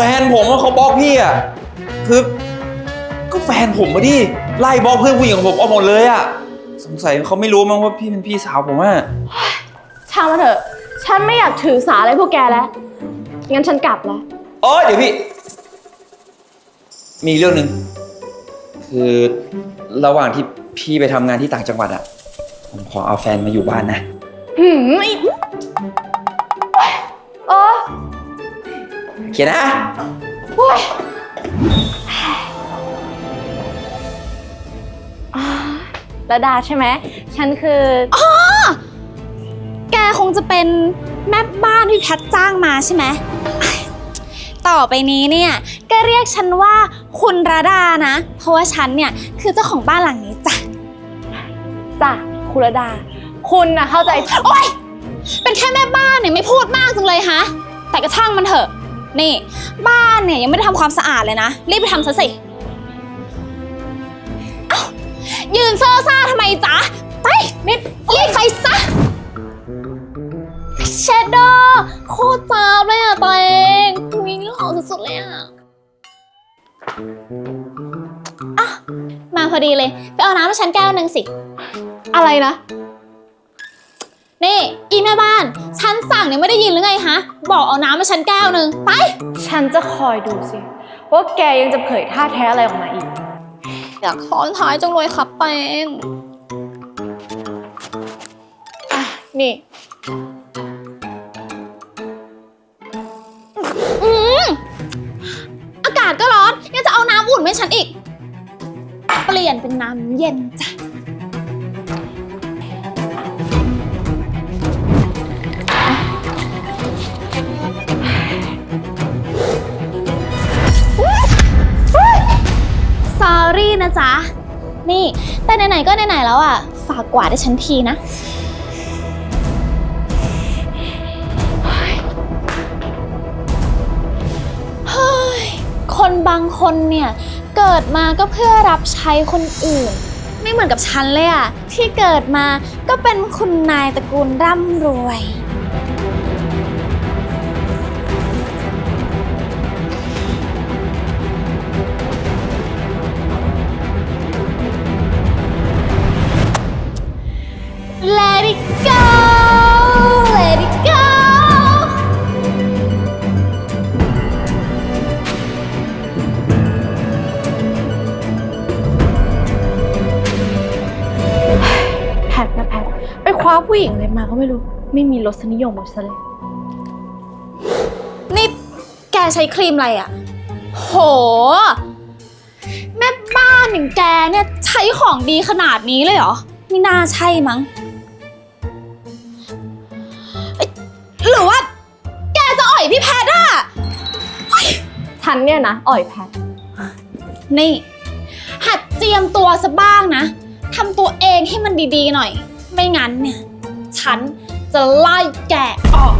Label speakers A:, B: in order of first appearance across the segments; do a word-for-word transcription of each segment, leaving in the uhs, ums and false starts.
A: นผมว่าเขาบล็อกพี่อ่ะคือก็แฟนผมมาดิไล่บล็อกเพื่อนผู้หญิงของผมออกหมดเลยอ่ะสงสัยเขาไม่รู้มั้งว่าพี่เป็นพี่สาวผมอ่ะ
B: ช่างมาเถอะฉันไม่อยากถือสาอะไรพวกแกแล้วงั้นฉันกลับแล้ว
A: เออเดี๋ยวพี่มีเรื่องหนึ่งคือระหว่างที่พี่ไปทำงานที่ต่างจังหวัดอ่ะผมขอเอาแฟนมาอยู่บ้านนะ
B: หืมเออ
A: เขียนนะ
B: โอ้ยระดาใช่ไหมฉันคือ
C: อ๋อแกคงจะเป็นแม่บ้านที่แพทจ้างมาใช่ไหมต่อไปนี้เนี่ยก็เรียกฉันว่าคุณระดานะเพราะว่าฉันเนี่ยคือเจ้าของบ้านหลังนี้จ้ะ
B: จ้ะคุณระดาคุณนะเข้าใจ
C: โอ๊ยเป็นแค่แม่บ้านเนี่ยไม่พูดมากจังเลยฮะแต่ก็ช่างมันเถอะนี่บ้านเนี่ยยังไม่ได้ทำความสะอาดเลยนะรีบไปทำซะสิเอ้ายืนเซ่อซ่าทำไมจ๊ะไปนิดรีบไปซะเชดโดโคตรจ้าบเลยอ่ะตัวเองวิ่งหล่อสุดๆเลยอ่ะอ่ะมาพอดีเลยไปเอาน้ำให้ฉันแก้วนึงสิ
B: อะไรนะ
C: นี่อีแม่บ้านฉันสั่งเนี่ยไม่ได้ยินหรือไงฮะบอกเอาน้ำมาฉันแก้วนึงไป
B: ฉันจะคอยดูสิว่าแกยังจะเผยท่าแท้อะไรออกมาอีก
C: อยากซ้อนท้ายจังเลยครับเปง
B: อ่ะนี่
C: อืมอากาศก็ร้อนยังจะเอาน้ำอุ่นให้ฉันอีกเปลี่ยนเป็นน้ำเย็นจ้ะสอรี่นะจ๊ะนี่แต่ไหนๆก็ไหนๆแล้วอ่ะฝากกวาดให้ฉันทีนะเฮ้ยคนบางคนเนี่ยเกิดมาก็เพื่อรับใช้คนอื่นไม่เหมือนกับฉันเลยอ่ะที่เกิดมาก็เป็นคุณนายตระกูลร่ำรวยLet it go Let it go
B: แพทนะแพทไปคว้าผู้หญิงอะไรมาก็ไม่รู้ไม่มีรสนิยมหมดซะเลย
C: นี่แกใช้ครีมอะไรอ่ะโหแม่บ้านอย่างแกเนี่ยใช้ของดีขนาดนี้เลยเหรอไม่น่าใช่มั้งหรือว่าแกจะอ่อยพี่แพทอ่ะ
B: ฉันเนี่ยนะอ่อยแพท
C: นี่หัดเจียมตัวซะบ้างนะทำตัวเองให้มันดีๆหน่อยไม่งั้นเนี่ยฉันจะไล่แกออก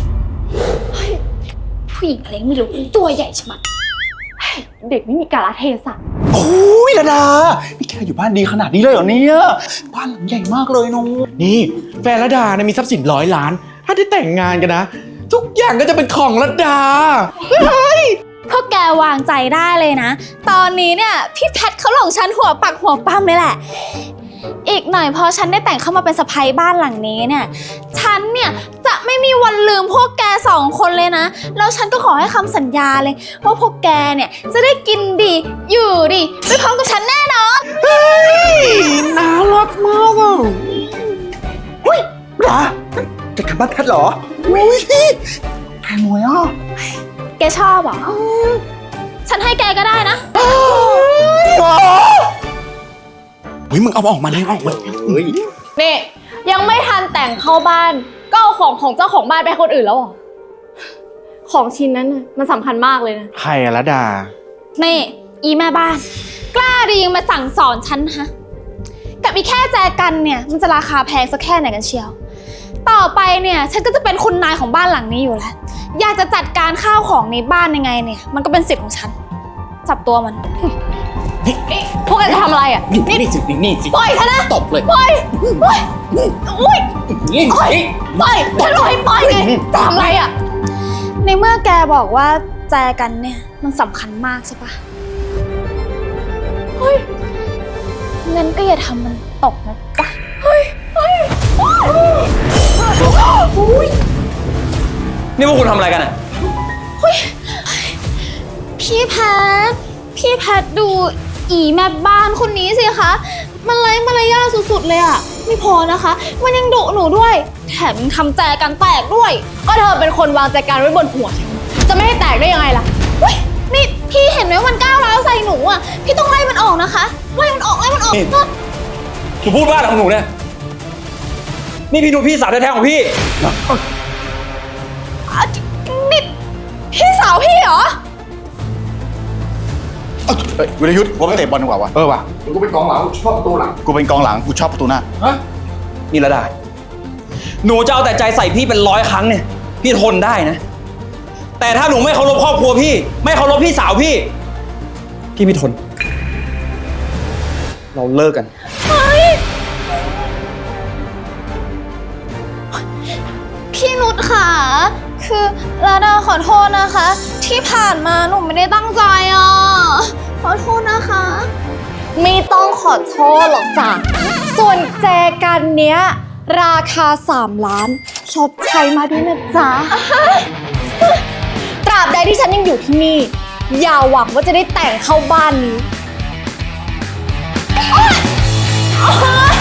C: ผู้หญิงอะไรไม่รู้ตัวใหญ่ชะมัด
B: เด็กไม่มีกาลเทศะ
D: โอ้ยระดานี่แกอยู่บ้านดีขนาดนี้เลยเหรอเนี่ยบ้านหลังใหญ่มากเลยน้องนี่แฟนระดาเนี่ยมีทรัพย์สินร้อยล้านถ้าได้แต่งงานกันนะทุกอย่างก็จะเป็นของระดาเฮ้ย
C: พวกแกวางใจได้เลยนะตอนนี้เนี่ยพี่แพทเขาหลงฉันหัวปักหัวปั๊มเลยแหละอีกหน่อยพอฉันได้แต่งเข้ามาเป็นสะใภ้บ้านหลังนี้เนี่ยฉันเนี่ยจะไม่มีวันลืมพวกแกสองคนเลยนะแล้วฉันก็ขอให้คำสัญญาเลยว่าพวกแกเนี่ยจะได้กินดีอยู่ดีไปพร้อมกับฉันแน่นอน
D: เฮ้ยน่ารักมากอ่ะอุ้ยระดาจะกลับบ้านแพทเหรออุ้ยแพงรวยอ่ะ
C: แกชอบเหรอฉันให้แกก็ได้นะ
D: เฮ้ยมึงเอาออกมาเลยออกมาเฮ้ย
B: นี่ยังไม่ทันแต่งเข้าบ้านก็เอาของของเจ้าของบ้านไปคนอื่นแล้วเหรอของชิ้นนั้นน่ะมันสำคัญมากเลยนะ
D: ใครอะระดา
C: นี่อีแม่บ้านกล้าดียังมาสั่งสอนฉันฮะกับอีแค่แจกันเนี่ยมันจะราคาแพงสักแค่ไหนกันเชียวต่อไปเนี่ยฉันก็จะเป็นคุณนายของบ้านหลังนี้อยู่แล้วอยากจะจัดการข้าวของในบ้านยังไงเนี่ยมันก็เป็นสิทธิ์ของฉันจับตัวมัน
B: นี่พวกแกจะทำอะไรอ่ะ
D: นี่นี่สินี่สิ
C: ปล่อยฉันนะ
D: ตบเลย
C: ปล่อยปล่อยอุ้ยปล่อยปล่อยฉันบอกให้ปล่อยไงจะทำอะไรอ่ะในเมื่อแกบอกว่าแจกันเนี่ยมันสำคัญมากใช่ปะเฮ้ยงั้นก็อย่าทำมันตกนะจ๊ะเฮ้ยเฮ้ย
A: นี่พวกคุณทำอะไรกันอ่ะ
C: พี่แพทพี่แพทดูอีแม่บ้านคนนี้สิคะมันไร้มารยาทสุดๆเลยอะไม่พอนะคะ มันยังดุหนูด้วยแถมยังทำแจกันแตกด้วย
B: ก็เธอเป็นคนวางใจการไว้บนหัวฉันจะไม่ให้แตกได้ยังไงล่ะ
C: เฮ้ยนี่พี่เห็นไหมมันก้าวร้าวใส่หนูอ่ะ พี่ต้องไล่มันออกนะคะไล่มันออกไล่มันออก
A: นี่
C: นะ
A: หนูพูดว่าอะไรของหนูเนี่ย นี่พี่ดูพี่สาวแท้ๆของพี่
C: อ่ะนี่พี่สาวพี่เหรอ
E: เฮ้ยวิรยุทธ์ว่าไปเตะบอลดีกว่าวะ
D: เออว่ะ
E: กูเป็นกองหลังกูชอบประตูหลัง กูเป็นกองหลังกูชอบประตูหน้า
A: ฮะนี่ระดา หนูจะเอาแต่ใจใส่พี่เป็นร้อยครั้งเนี่ย พี่ทนได้นะ แต่ถ้าหนูไม่เคารพครอบครัวพี่ ไม่เคารพพี่สาวพี่ พี่ไม่ทน เราเลิกกัน
C: พี่นุชค่ะ คือลาดาขอโทษนะคะ ที่ผ่านมาหนูไม่ได้ตั้งใจอ่ะ ขอโทษนะคะ
B: ไม่ต้องขอโทษหรอกจ้ะ ส่วนแจกันเนี้ย ราคาสามล้าน ชดใช้มาด้วยนะจ๊ะ ตราบใดที่ฉันยังอยู่ที่นี่ อย่าหวังว่าจะได้แต่งเข้าบ้านนี้
C: โอ๊ย